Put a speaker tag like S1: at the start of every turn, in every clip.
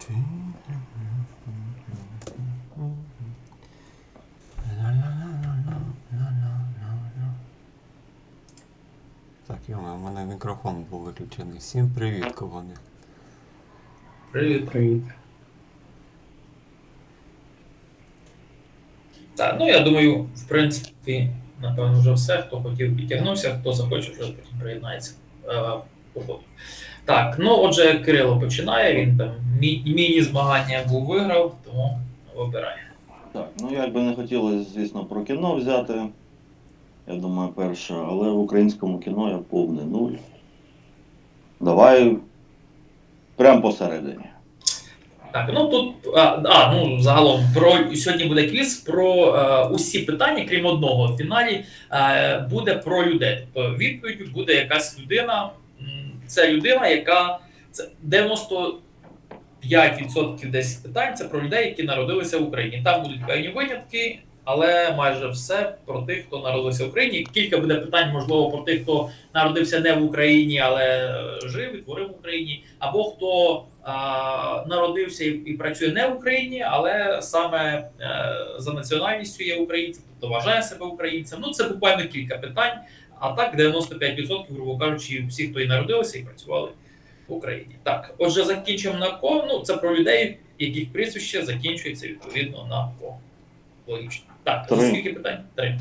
S1: Так, йома, у мене мікрофон був виключений. Всім привіт, колони.
S2: Привіт.
S3: Привіт.
S2: Так, ну я думаю, в принципі, напевно, вже все. Хто хотів підтягнувся, хто захоче, вже потім приєднається по ходу. Так, ну отже, Кирило починає, він там міні-змагання був виграв, тому вибирає.
S4: Так, ну як би не хотілося, звісно, про кіно взяти. Я думаю, перше, але в українському кіно я повний нуль. Давай прямо посередині.
S2: Так, ну тут ну загалом сьогодні буде квіз про усі питання, крім одного в фіналі, буде про людей. Тобто відповідь буде якась людина. Це людина, яка це 95% десь питань це про людей, які народилися в Україні. Там будуть певні винятки, але майже все про тих, хто народився в Україні. Кілька буде питань, можливо, про тих, хто народився не в Україні, але жив і творив в Україні, або хто народився і працює не в Україні, але саме за національністю є українцем, тобто вважає себе українцем. Ну, це буквально кілька питань, а так 95%, грубо кажучи, всі, хто і народилися, і працювали в Україні. Так, отже, закінчимо на ко. Ну, це про людей, яких прізвище закінчується відповідно на ко. Логічно. Так, за скільки питань? Три.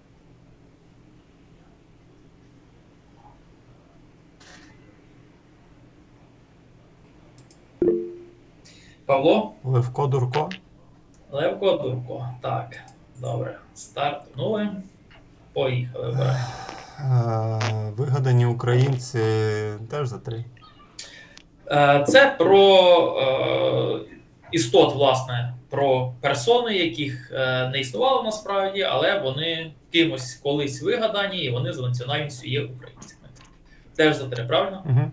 S2: Павло?
S1: Левко Дурко.
S2: Левко Дурко. Так, добре. Стартнули. Поїхали. Вибирай.
S1: Вигадані українці теж за 3.
S2: Це про істот, власне, про персони, яких не існувало насправді, але вони кимось колись вигадані, і вони за національністю є українцями. Теж за 3, правильно?
S1: Угу.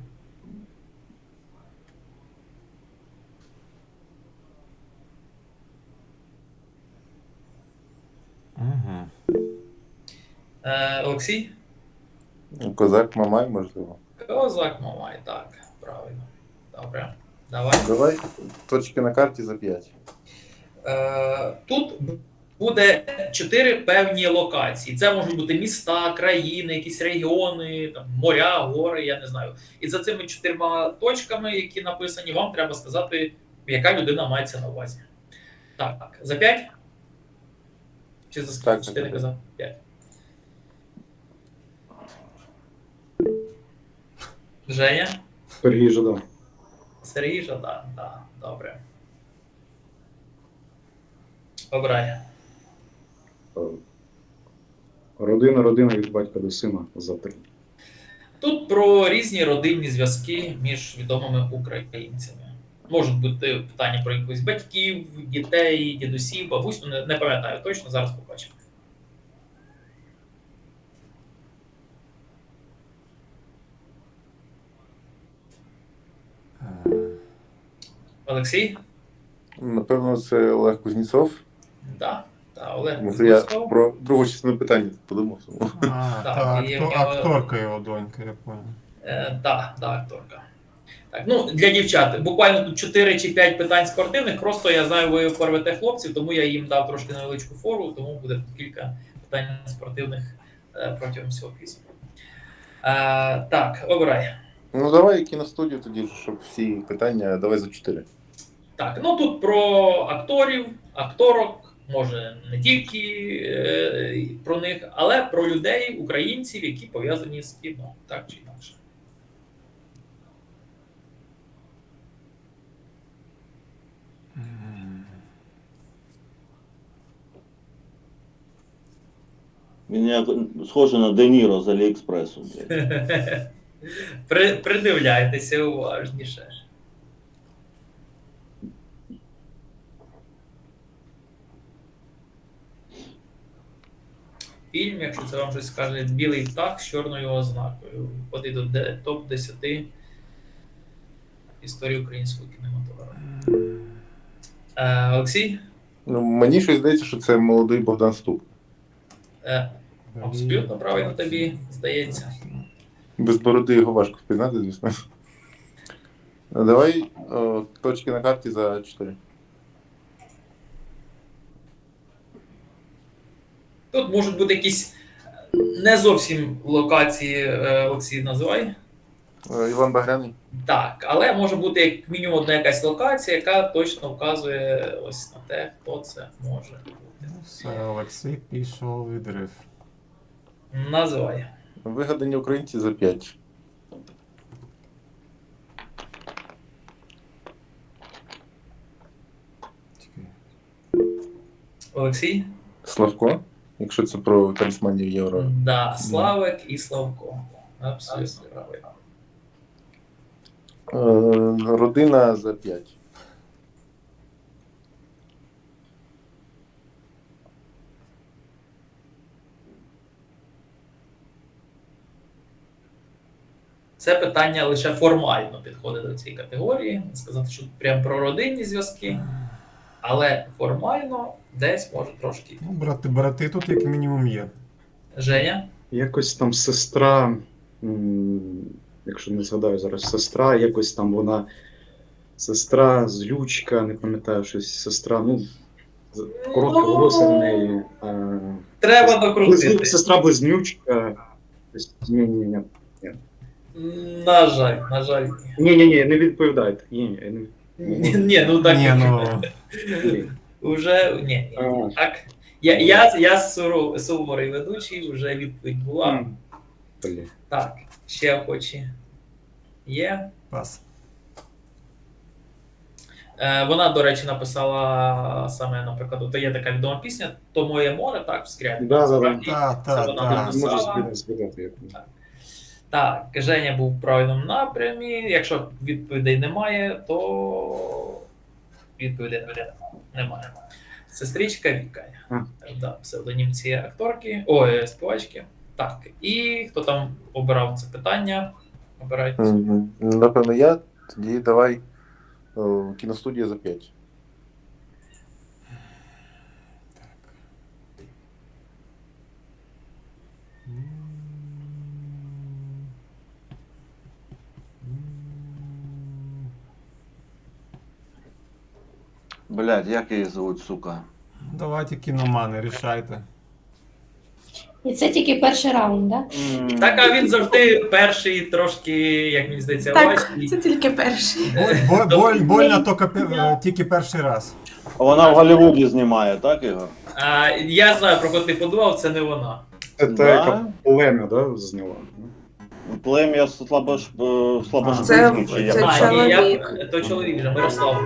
S1: Угу.
S2: Олексій?
S5: Козак Мамай, можливо.
S2: Козак Мамай, так, правильно. Добре. Давай.
S5: Давай точки на карті за 5.
S2: Тут буде 4 певні локації. Це можуть бути міста, країни, якісь регіони, там, моря, гори, я не знаю. І за цими 4 точками, які написані, вам треба сказати, яка людина мається на увазі. Так, за 5? Чи за скільки?
S5: Так,
S2: Чи ти не казав? 5. Женя?
S3: Сергій Жадан.
S2: Сергій Жадан, так, добре. Обирай.
S3: Родина від батька до сина за 3.
S2: Тут про різні родинні зв'язки між відомими українцями. Можуть бути питання про якихось батьків, дітей, дідусів, бабусь, ну, не пам'ятаю точно, зараз побачимо. Олексій?
S5: Напевно, це Олег Кузнєцов.
S2: Так, Олег
S5: Може, я
S2: Кузнєцов.
S5: про другу частину питання подумав.
S2: Так, і в нього-
S1: Акторка його донька, я понял.
S2: Так, акторка. Так, ну, для дівчат. Буквально тут 4 чи 5 питань спортивних. Просто я знаю, ви порвете хлопців, тому я їм дав трошки невеличку фору, тому буде тут кілька питань спортивних протягом всього квізу. Так, обирай.
S5: Ну, давай кіностудію тоді, щоб всі питання, давай за 4.
S2: Так, ну тут про акторів, акторок, може не тільки про них, але про людей, українців, які пов'язані з кіно, так чи інакше.
S4: Він як схожий на Де Ніро з Аліекспресу.
S2: Придивляйтеся уважніше. Фільм, якщо це вам щось скаже, білий птах з чорною ознакою. Входить до топ-10 історії українського кінематографу. Олексій?
S5: Ну, мені щось здається, що це молодий Богдан Ступ.
S2: Абсолютно правильно тобі здається.
S5: Без бороди його важко впізнати, звісно. Давай точки на карті за 4.
S2: Тут можуть бути якісь не зовсім локації, Олексій, називай.
S5: Іван Багряний.
S2: Так, але може бути як мінімум одна якась локація, яка точно вказує ось на те, хто це може бути.
S1: Ну, все, Олексій пішов відрив.
S2: Називай.
S5: Вигадані українці за 5.
S1: Чекай.
S2: Олексій?
S5: Славко, якщо це про талісманів Євро.
S2: Да, Славик і Славко. Абсолютно правильно.
S5: Родина за 5.
S2: Це питання лише формально підходить до цієї категорії. Не сказати, що прям про родинні зв'язки, але формально десь може трошки.
S1: Ну, брати тут як мінімум є.
S2: Женя?
S3: Якось там сестра, якщо не згадаю зараз, сестра, якось там вона. Сестра, злючка, не пам'ятаю щось, сестра, ну, коротке волосся в неї.
S2: Треба докрутити.
S3: Сестра близнючка. Ні.
S2: На жаль, ні.
S3: Ні, не відповідайте. Ні.
S2: Ні, ну так.
S1: Ні, ну,
S3: Ні.
S2: Уже ні.
S3: А.
S2: Так. Я суворий ведучий, вже відповідь була.
S3: Блін.
S2: Так, ще охочі. Є.
S1: пас.
S2: Вона, до речі, написала саме, наприклад, от є така відома пісня «То моє море», так, в скрябі.
S3: Да.
S2: Це
S1: Та.
S2: вона
S3: Можу
S2: написала.
S3: згадати, як.
S2: Так, Женя був в правильному напрямі. Якщо відповідей немає, то відповідей немає. Сестричка Віка. Да, псевдонім цієї акторки, співачки. Так, і хто там обирав це питання? Обирайте.
S5: Напевно, я. Тоді давай кіностудія за 5.
S4: Блядь, як її звуть, сука?
S1: Давайте кіномани, рішайте.
S6: І це тільки перший раунд, так?
S2: Так, а він завжди перший, трошки, як мені здається,
S7: Так,
S2: важкий.
S7: це тільки перший.
S1: Больно тільки перший раз.
S4: Вона в Голлівуді знімає, так, Ігор?
S2: Я знаю, про кого ти подумав, це не вона.
S3: Це
S4: Да?
S3: та, яка плем'я, да, зняла?
S4: Плем'я
S7: Це
S4: слабошвидкий, чи як?
S7: чоловік.
S2: То чоловік вже, Мирослав.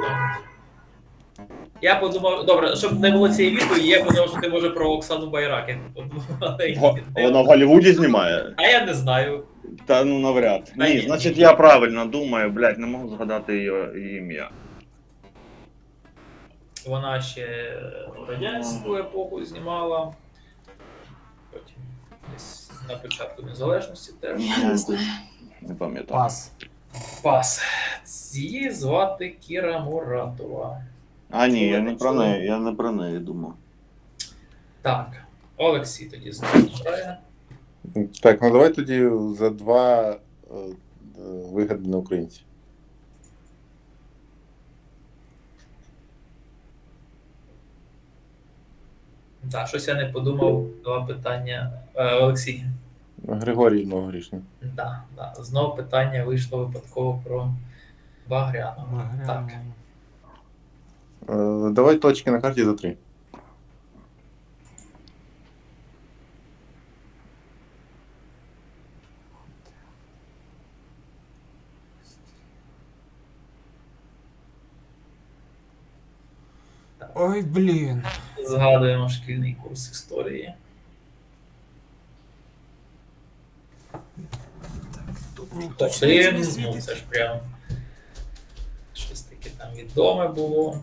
S2: Я подумав, добре, щоб не було цієї відповіді, я подумав, що ти може про Оксану Байрак. Я подумав, але ні.
S4: Вона в Голлівуді знімає?
S2: А я не знаю.
S4: Та ну навряд.
S2: Та ні.
S4: Ні, значить я правильно думаю, блядь, не можу згадати її ім'я.
S2: Вона ще радянську епоху знімала. Потім десь на початку незалежності теж.
S7: Я не знаю.
S4: Не пам'ятаю.
S1: Пас.
S2: Пас. Її звати Кіра Муратова.
S4: А ні, я не про неї думав.
S2: Так, Олексій тоді знову грає.
S5: Так, ну давай тоді за 2 вигадані українці.
S2: Так, щось я не подумав. 2 питання. Олексій.
S5: Григорій Новогрішний.
S2: Да. Знову питання вийшло випадково про Багряну. Так.
S5: Давай точки на карті за 3.
S1: Ой, блін.
S2: Згадуємо шкільний курс історії.
S1: Тут ніхто ще не
S2: Один, ну
S1: світить.
S2: це ж прям щось таке там відоме було.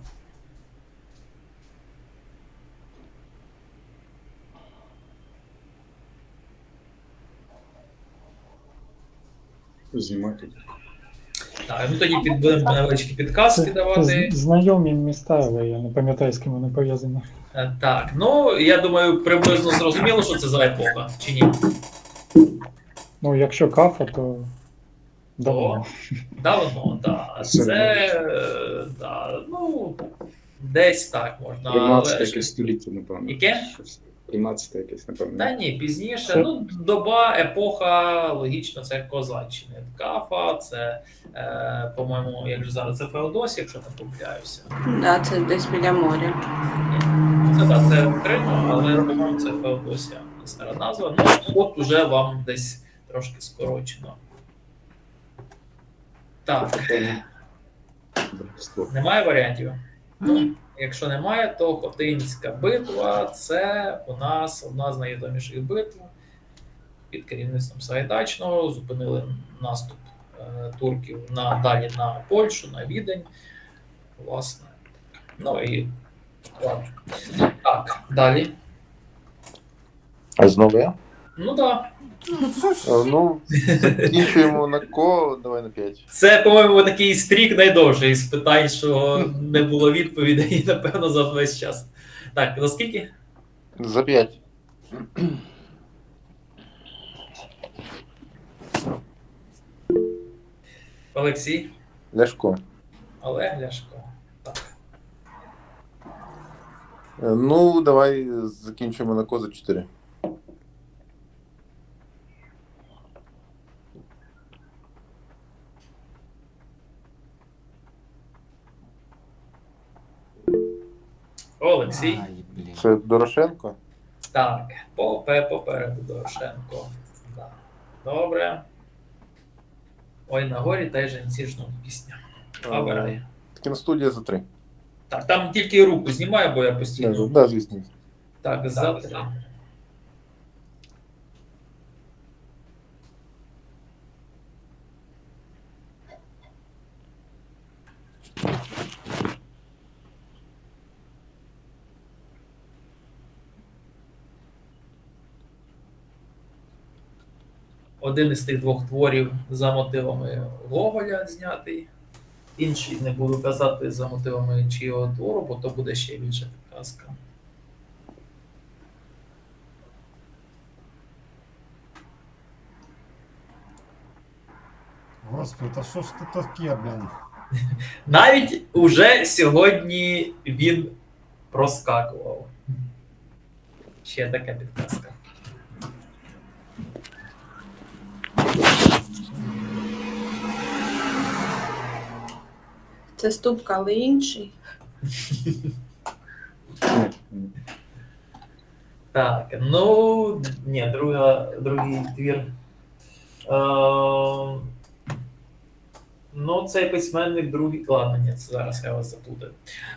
S3: Знімати.
S2: Так, ну тоді будемо невеличкі підказки давати.
S8: Знайомі міста, але я не пам'ятаю, з ким вони пов'язані.
S2: Так, ну я думаю, приблизно зрозуміло, що це за епоха, чи ні?
S8: Ну, якщо кафа, то Давно.
S2: Давно, так.
S3: Це
S2: Це, да, ну, десь так можна.
S3: 13
S2: Але
S3: якесь століття, напевно.
S2: Яке?
S3: Щось. 13 якесь, напевно.
S2: Та ні, пізніше.
S8: Це-
S2: Ну, доба, епоха, логічно, це Козаччини. Кафа, це, по-моєму, як же зараз, це Феодосія, якщо не помиляюся.
S7: Да, це десь біля моря.
S2: Це так, це Крим, але по-моєму це Феодосія. Стара назва. Ну, от уже вам десь трошки скорочено. Так,
S3: Братство.
S2: немає варіантів? Ну, якщо немає, то Хотинська битва це у нас одна з найвідоміших битв під керівництвом Сагайдачного. Зупинили наступ турків далі на Польщу, на Відень. Власне. Ну і ладно. Так, далі.
S5: А знову я?
S2: Ну так.
S5: Ну, закінчуємо на ко, давай на 5.
S2: Це, по-моєму, такий стрік найдовший з питань, що не було відповідей, напевно, за весь час. Так, за скільки?
S5: За 5.
S2: Олексій,
S5: Ляшко.
S2: Олег, Ляшко. Так.
S5: Ну, давай закінчимо на ко за 4.
S2: Олексій.
S1: Ай, блін.
S5: Це Дорошенко?
S2: Так, попереду Дорошенко. Да. Добре. Ой, на горі та й жінці жнуть пісня. Обирай.
S5: Кіностудія за 3.
S2: Так, там тільки руку знімаю, бо я постійно.
S5: Да, звісно.
S2: Так, за 3. Один із тих двох творів за мотивами Гоголя знятий. Інший не буду казати за мотивами чийого твору, бо то буде ще більше підказка.
S9: Господи, та що ж це таке, блін?
S2: Навіть уже сьогодні він проскакував. Ще така підказка.
S7: Це Ступка, але інший.
S2: Так, ну, ні, другий твір. Ну, цей письменник другий. Ладно, ні, це зараз я вас заплутаю.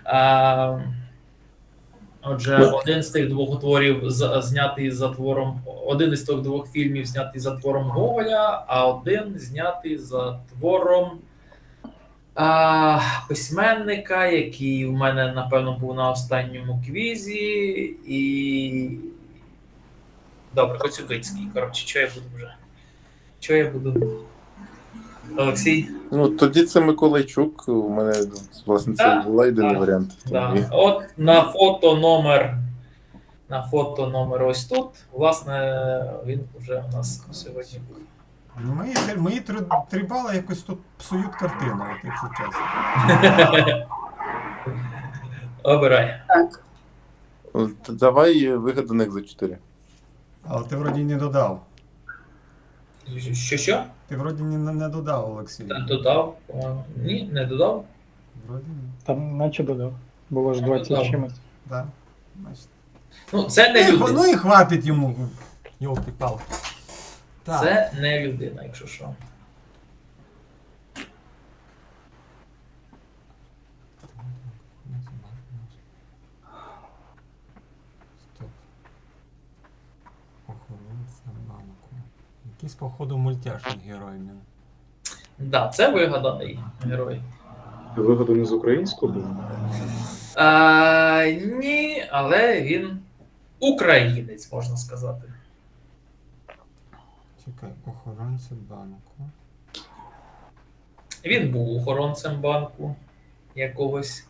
S2: Отже, один з тих двох творів знятий за твором. Один із тих двох фільмів знятий за твором Гоголя, а один знятий за твором письменника, який у мене, напевно, був на останньому квізі. І. Добре, Коцюбинський. Коротше, що я буду вже? Що я буду? Олексій?
S5: Ну, тоді це Миколайчук. У мене, власне, це
S2: Так,
S5: була єдиний
S2: так,
S5: варіант.
S2: Да. От на фото номер ось тут. Власне, він вже у нас сьогодні був.
S9: Ну, мої три бали якось тут псують картину, от якщо чесно.
S2: Обирай.
S7: Так.
S5: Давай вигаданих за 4.
S9: Але ти вроді не додав.
S2: Що?
S9: Ти вроді не додав, Олексій.
S2: Додав? По-моєму. Ні, не додав.
S9: Вроді ні.
S8: Там наче додав. Було ж 20
S2: Додав.
S8: чимось.
S9: Да. Значить.
S2: Ну, це не людина.
S9: Ну і хватить йому. Йолки-палки. Так.
S2: Це не людина, якщо що.
S1: Стоп. Охоронця банку. Якийсь, походу, мультяшний герой він.
S2: Да, це вигаданий герой.
S3: Вигадано з українського було?
S2: Ні, але він українець, можна сказати.
S1: Чекай, охоронця банку.
S2: Він був охоронцем банку якогось.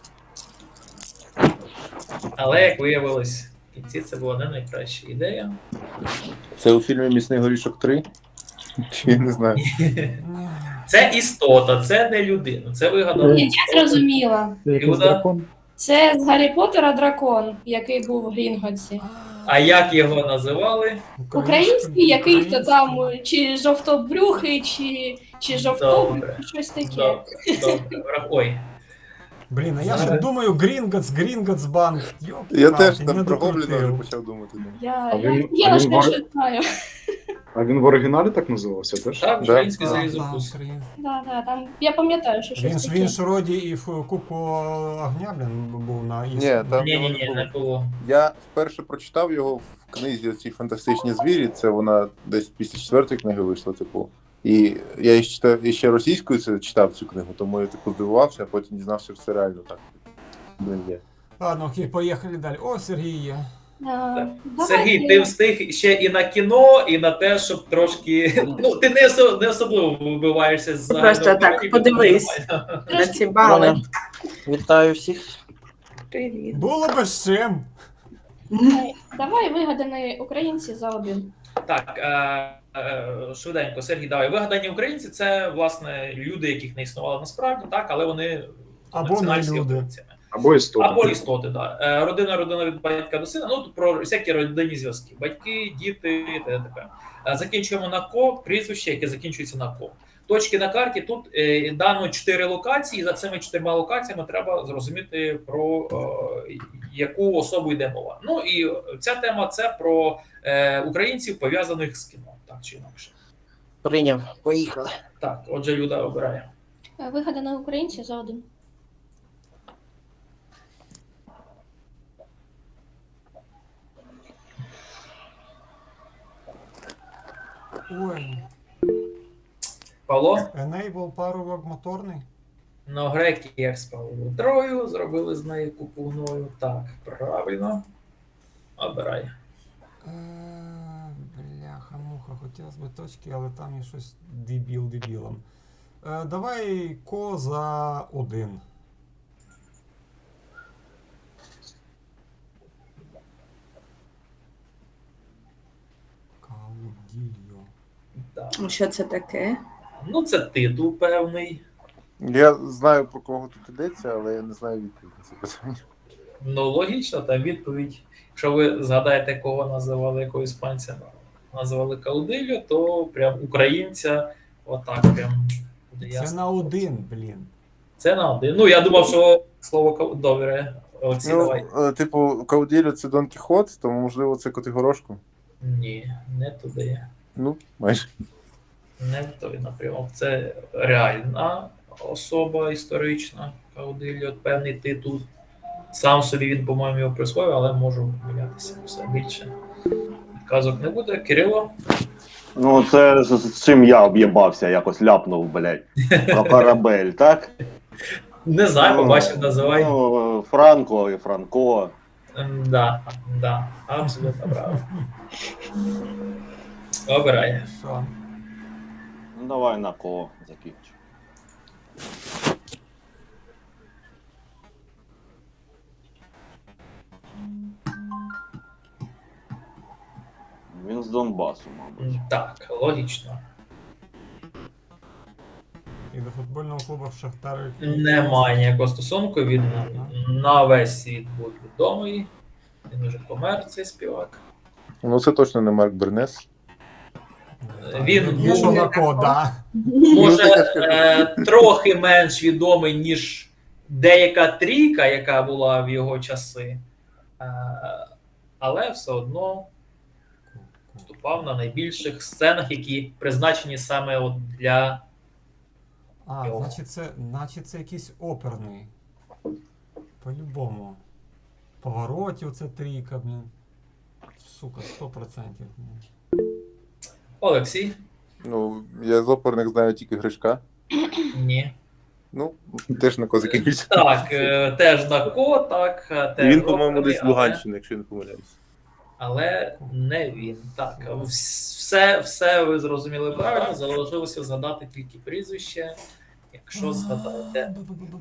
S2: Але, як виявилось, в кінці це була не найкраща ідея.
S5: Це у фільмі Місний горішок 3? Чи я не знаю.
S1: Ні.
S2: Це істота, це не людина. Це вигадано.
S6: Я зрозуміла.
S8: Це якийсь
S2: Люда?
S8: дракон.
S6: Це з Гаррі Поттера дракон, який був в Грінготсі.
S2: А як його називали?
S6: Український, який то там, чи жовтобрюхий, чи жовтобрюхий,
S2: Добре.
S6: щось таке.
S2: Добре, добре. Ой.
S9: Блін, а я ще думаю, Грінготс Банк.
S5: Я теж там про гобліна вже почав думати.
S6: Я
S3: А він-
S6: я
S3: а
S6: лише
S3: він
S6: ще знаю.
S3: А він в оригіналі так називався теж?
S2: Так,
S5: Да.
S2: український залізокус.
S6: Да, там я пам'ятаю, що щось
S9: Він
S6: таке.
S9: ж роді і в Кубку огня, блін, був на
S5: Ні, там
S2: Ні,
S5: його
S2: ні, ні,
S5: не
S2: не
S5: було.
S2: було.
S5: Я вперше прочитав його в книзі «Ці фантастичні звірі». Це вона десь після 4-ї книги вийшла, типу. І я і ще російською це читав цю книгу, тому я типу здивувався, а потім дізнався, що це реально так. Блін, є.
S9: Ладно, окей, поїхали далі. О, Сергій є.
S6: Давайте.
S2: Сергій, ти встиг ще і на кіно, і на те, щоб трошки. Ну, ти не особливо вибиваєшся з
S7: Просто так, подивись. На ці бали.
S10: Вітаю всіх.
S7: Привіт.
S9: Було би з чим.
S6: Давай вигадані українці за один.
S2: Так, швиденько, Сергій, давай. Вигадані українці це, власне, люди, яких не існувало насправді, так, але вони
S9: Або не
S2: національні
S9: люди.
S2: українцями.
S3: Або істота.
S2: Або істоти, так. Родина від батька до сина, ну, про всякі родинні зв'язки. Батьки, діти, т.д. Закінчуємо на ко, прізвище, яке закінчується на ко. Точки на карті, тут дано 4 локації, і за цими 4 локаціями треба зрозуміти, про яку особу йде мова. Ну і ця тема це про українців, пов'язаних з кіно, так чи інакше.
S10: Прийняв. Поїхали.
S2: Так, отже, Люда обирає.
S6: Вигадані українці за один.
S9: Ой,
S2: Павло?
S9: Enable парубок моторний.
S2: Ну, греки як з Павлом Трою, зробили з неї купу гною. Так, правильно. Обирай.
S9: Бляха-муха, хотілося б точки, але там є щось дебілом. Давай ко за один. Каудільо.
S2: Так.
S7: Що це таке?
S2: Ну, це титул певний.
S5: Я знаю, про кого тут йдеться, але я не знаю відповідь на це питання.
S2: Ну, логічно, там відповідь. Якщо ви згадаєте, кого називали, якого іспанця називали Каудильо, то прям українця отак прям буде
S9: Це
S2: ясно.
S9: на один, блін.
S2: Це на один. Ну, я думав, що слово добре. Олексій, давай.
S5: Типу, Кауділю це Дон Кіхот, тому можливо це Котигорошко.
S2: Ні, не туди.
S5: Ну, майже.
S2: Не той напрямок. Це реальна особа історична. Каудильо, певний титул. Сам собі він, по-моєму, його присвоїв, але можу помилятися все більше. Казок не буде. Кирило?
S4: Ну, це з чим я об'єбався, якось ляпнув, блядь. Про корабель, так?
S2: Не знаю, побачив, називай.
S4: Ну, Франко і Франко.
S2: Да, абсолютно правильно. Обирай.
S9: Що?
S4: Ну, давай на ко закінчу. Він з Донбасу, мабуть.
S2: Так, логічно.
S9: І до футбольного клубу Шахтар.
S2: Немає ніякого стосунку. Він на весь світ був відомий. Він вже помер, цей співак.
S5: Ну це точно не Марк Бернес.
S2: Він
S9: Є що
S2: був,
S9: на ко, да.
S2: може, трохи менш відомий, ніж деяка трійка, яка була в його часи. Але все одно виступав на найбільших сценах, які призначені саме от для.
S9: А, значить це якийсь оперний. По-любому. Поворотів це трійка, блін. Сука, 100%.
S2: Олексій?
S5: Ну, я з оперних знаю тільки Гришка.
S2: Ні.
S5: Ну, теж на ко закінчиться.
S2: Так, теж на ко, так.
S5: І
S2: Теж
S5: він, по-моєму,
S2: оперний,
S5: десь з Луганщини, якщо я не помиляюсь.
S2: Але не він. Так, все ви зрозуміли правильно, залишилося згадати тільки прізвище. Якщо згадаєте.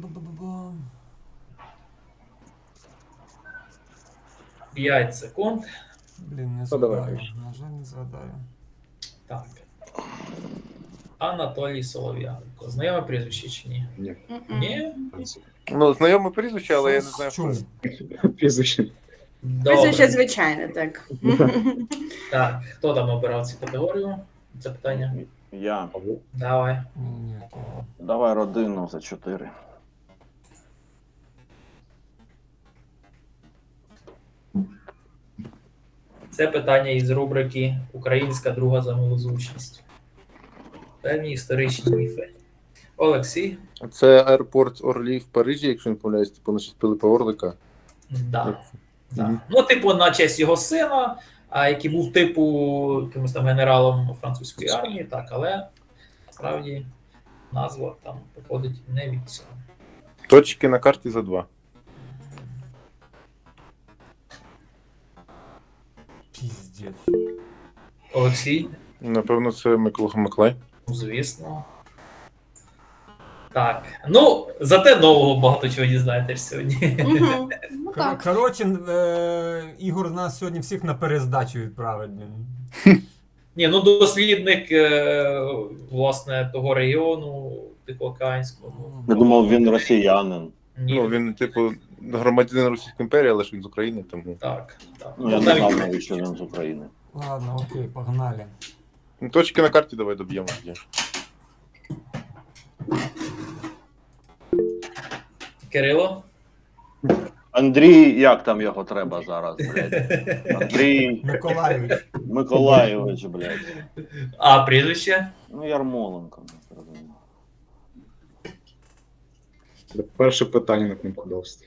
S2: 5 секунд.
S9: Блін, не
S5: Ну, давай.
S9: згадаю. На жаль, не згадаю.
S2: Так. Анатолій Солов'янко. Знайоме прізвище чи ні?
S3: Ні.
S2: Ні?
S5: Ну, знайоме прізвище, але я не знаю, хто.
S9: Чув.
S3: Прізвище.
S2: Добре.
S7: Прізвище звичайне, так.
S2: Так, хто там обирав цю категорію? Це питання.
S4: Я.
S2: Давай.
S9: Ні, окей.
S4: Давай родину за 4.
S2: Це питання із рубрики Українська друга за милозвучність. Певні історичні міфи. Олексій?
S5: Це аеропорт Орлі в Парижі, якщо не помиляюсь, типу на честь Пилипа Орлика.
S2: Да. Да.
S5: Мгм.
S2: Ну, типу, на честь його сина, який був типу якимось там генералом французької армії, так, але справді назва там походить не від цього.
S5: Точки на карті за 2.
S9: Піздець.
S2: Олексій?
S5: Напевно, це Микола Маклай.
S2: Ну, звісно. Так. Ну, зате нового багато чого дізнаєтесь сьогодні.
S6: Мгм. Ну так.
S9: Коротше, Ігор нас сьогодні всіх на перездачу відправить. блін.
S2: Ні, ну дослідник власне того регіону Тихоокеанського.
S4: Я думав, він росіянин.
S2: Ні,
S5: Ну, він, типу, громадянин Російської імперії, але ж він з України, тому.
S2: так, так.
S4: Ну, я не знав навіть, що він з України.
S9: Ладно, окей, погнали.
S5: Ну, точки на карті давай доб'ємо.
S2: Кирило?
S4: Андрій, як там його треба зараз, блядь? Андрій
S9: Миколаївич.
S4: Миколайович, блядь.
S2: А, прізвище?
S4: Ну, Ярмоленко, не зрозуміло.
S3: Перше питання на кнопку довсти.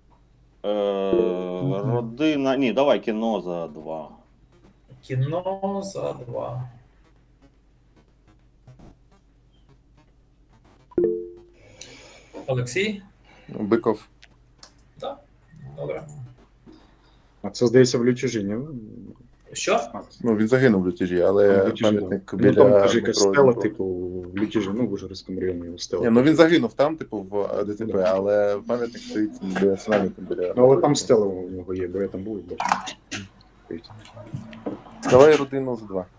S4: Родина. Ні, давай кіно за 2.
S2: Кіно за 2. Олексій?
S5: Биков.
S2: Так. Добре.
S3: А це, здається, в Лючужині.
S2: Що?
S5: Ну, він загинув в лютежі, але пам'ятник
S3: Ну,
S5: біля
S3: там каже, якась
S5: метро
S3: стела,
S5: Дніпро.
S3: типу, в Лючужині, ну, в Ужгородському районі
S5: Ні,
S3: стела.
S5: ну він загинув там, типу, в ДТП, але пам'ятник стоїть біля цунаміку, біля.
S3: Ну, але там стела у нього є, бо я там був і бачив.
S5: Давай родину за 2.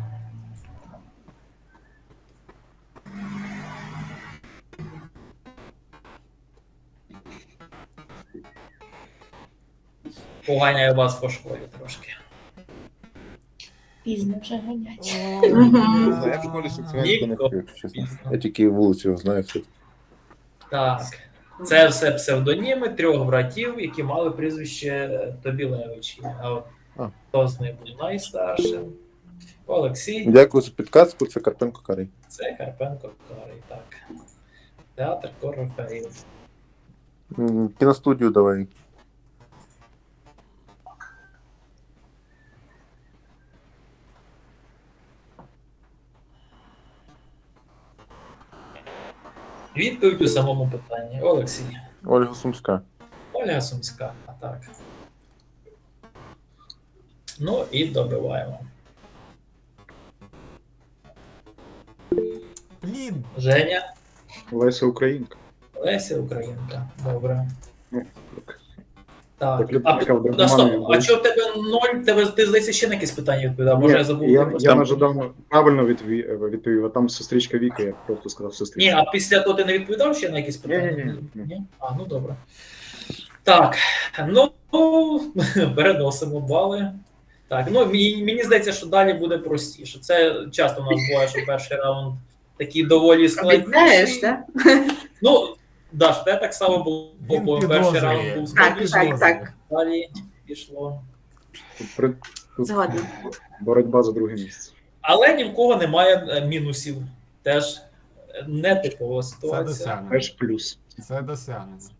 S2: Поганяю вас по школі трошки.
S6: Пізно вже ганять.
S5: Я в школі соціальську не
S2: Ніко.
S5: вчив, якщо чесно. Я тільки вулицю його знаю. Все.
S2: Так. Це все псевдоніми 3 братів, які мали прізвище Тобілевичі. А от
S5: А.
S2: хто з них був найстаршим? Олексій.
S5: Дякую за підказку, це Карпенко Карий.
S2: Це Карпенко Карий. Так. Театр Корифеїв.
S5: Кіностудію давай.
S2: Відповідь у самому питанні. Олексій.
S5: Ольга Сумська.
S2: Ольга Сумська. Так. Ну і добиваємо.
S9: Блін.
S2: Женя.
S3: Леся Українка.
S2: Леся Українка. Добре.
S3: Ну,
S2: Так.
S3: Так, людина, яка в
S2: А
S3: Драгоманові
S2: стоп,
S3: була.
S2: а чого в тебе 0? Ти, здається, ще на якісь питання відповідав? Може, я забув?
S3: я
S5: Там-
S3: нажадав правильно відповів, а там сестричка Віка, я просто сказав
S2: Ні,
S3: сестричка.
S2: а після того ти не відповідав ще на якісь питання?
S3: Ні.
S2: А, ну добре. Так, ну переносимо бали. Так, ну мені здається, що далі буде простіше. Це часто у нас буває, що перший раунд такий доволі
S7: Обіцяєш,
S2: складніший.
S7: так?
S2: Ну, Даш, те так само було,
S9: Він
S2: бо перший
S9: підозрює.
S2: раунд був
S7: Так,
S2: складніший,
S7: так.
S2: далі пішло.
S3: Тут
S7: Згодна.
S3: боротьба за друге місце.
S2: Але ні в кого немає мінусів. Теж нетипова
S9: Це
S2: ситуація.
S9: досягнення.
S3: Теж плюс.
S9: Це досягнення.